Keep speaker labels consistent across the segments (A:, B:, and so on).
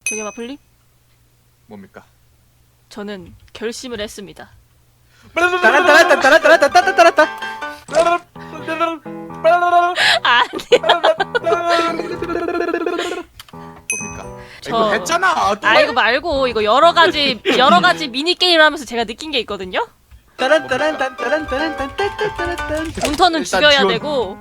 A: 저기 마플님?
B: 뭡니까?
A: 저는 결심을 했습니다.
C: 따라따라따따라따따따따따따.
A: 아니,
B: 뭡니까?
A: 저-
B: 이거 했잖아.
A: 아 이거 말고 이거 여러 가지 미니 게임을 하면서 제가 느낀 게 있거든요.
C: 따란따란딴따란따란딴따란따란딴.
A: 문터는
B: 일단
A: 죽여야
B: 지원.
A: 되고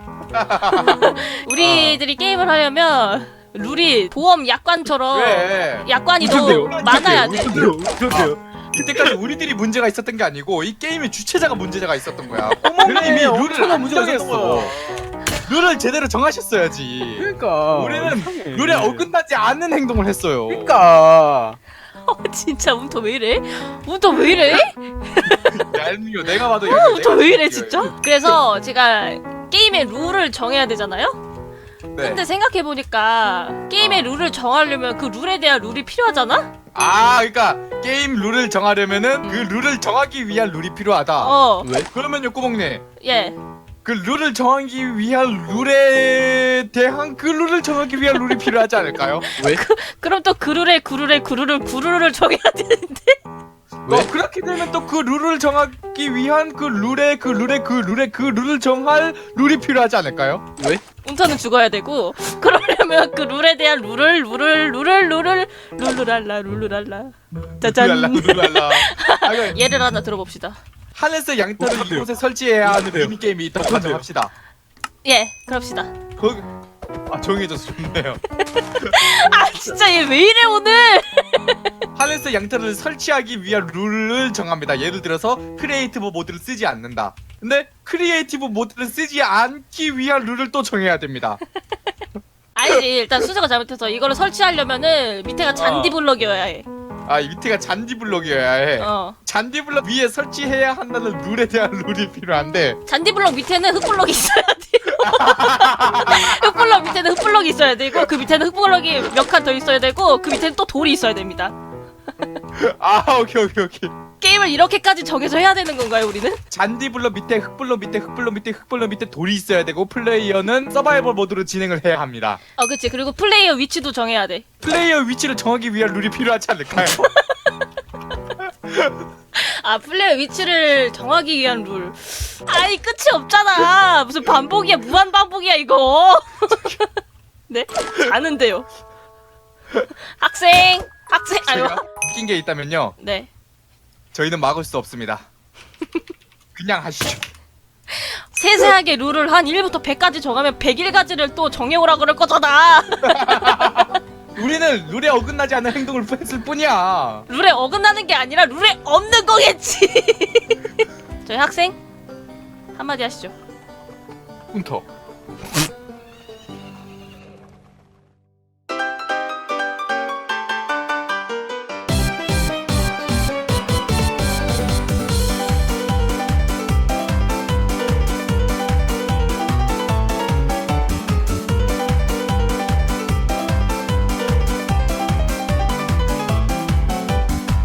A: 우리들이 게임을 하려면 룰이 보험 약관처럼
B: 왜?
A: 약관이 더 많아야 돼.
C: 그런데요.
B: 이때까지 우리들이 문제가 있었던 게 아니고 이 게임의 주체자가 문제가 있었던 거야. 꼬몽님이 룰을
C: 엄청난
B: 안
C: 문제가
B: 정했어.
C: 있었어.
B: 룰을 제대로 정하셨어야지.
C: 그러니까
B: 우리는
C: 이상해.
B: 룰에 어긋나지 않는 행동을 했어요.
C: 그러니까
A: 진짜 문터 왜 이래? 문터 왜 이래?
B: 얄미워. 내가 봐도
A: 문터 왜 이래 진짜? 그래서 제가 게임의 룰을 정해야 되잖아요.
B: 네.
A: 근데 생각해보니까 게임의 룰을 정하려면 그 룰에 대한 룰이 필요하잖아?
B: 아, 그러니까 게임 룰을 정하려면은 그 룰을 정하기 위한 룰이 필요하다.
A: 왜?
B: 그러면요, 꼬몽님.
A: 예.
B: 그 룰을 정하기 위한 룰에 대한 그 룰을 정하기 위한 룰이 필요하지 않을까요?
A: 그럼 또 그 룰을 정해야 되는데?
B: 그렇게 되면 또 그 룰을 정하기 위한 그 룰을 정할 룰이 필요하지 않을까요?
A: 문터는 죽어야 되고 그러려면 그 룰에 대한 룰랄라 짜잔.
B: 룰랄라. 아, 이거
A: 예를 하나 들어봅시다.
B: 하늘색 양털을 이곳에 설치해야 하는 미니게임이 있다고 가정합시다.
A: 예, 그럽시다.
B: 거기 정해져서 좋네요.
A: 아 진짜 얘 왜 이래 오늘?
B: 하늘색 양털을 설치하기 위한 룰을 정합니다. 예를 들어서 크리에이티브 모드를 쓰지 않는다. 근데 크리에이티브 모드를 쓰지 않기 위한 룰을 또 정해야 됩니다.
A: 아니지, 일단 순서가 잘못해서 이거를 설치하려면은 밑에가 잔디 블럭이어야 해.
B: 아, 이 밑에가 잔디 블럭이어야 해. 잔디 블럭 위에 설치해야 한다는 룰에 대한 룰이 필요한데
A: 잔디 블럭 밑에는 흙 블럭이 있어야 돼요. 흙 블럭 밑에는 흙 블럭이 있어야 되고 그 밑에는 흙 블럭이 몇 칸 더 있어야 되고 그 밑에는 또 돌이 있어야 됩니다.
B: 아, 오케이.
A: 게임을 이렇게까지 정해서 해야 되는 건가요, 우리는?
B: 잔디 블럭 밑에 흙블럭 밑에 돌이 있어야 되고 플레이어는 서바이벌 모드로 진행을 해야 합니다.
A: 그치. 그리고 플레이어 위치도 정해야 돼.
B: 플레이어 위치를 정하기 위한 룰이 필요하지 않을까요?
A: 아, 플레이어 위치를 정하기 위한 룰. 아이, 끝이 없잖아. 무슨 반복이야, 무한 반복이야, 이거. 네? 자는데요. 학생! 아유.
B: 제가 웃긴 게 있다면요.
A: 네.
B: 저희는 막을 수 없습니다. 그냥 하시죠.
A: 세세하게 룰을 한 1부터 100까지 정하면 101가지를 또 정해오라 그럴 거잖아.
B: 우리는 룰에 어긋나지 않는 행동을 했을 뿐이야.
A: 룰에 어긋나는 게 아니라 룰에 없는 거겠지. 저희 학생 한마디 하시죠.
B: 훈터.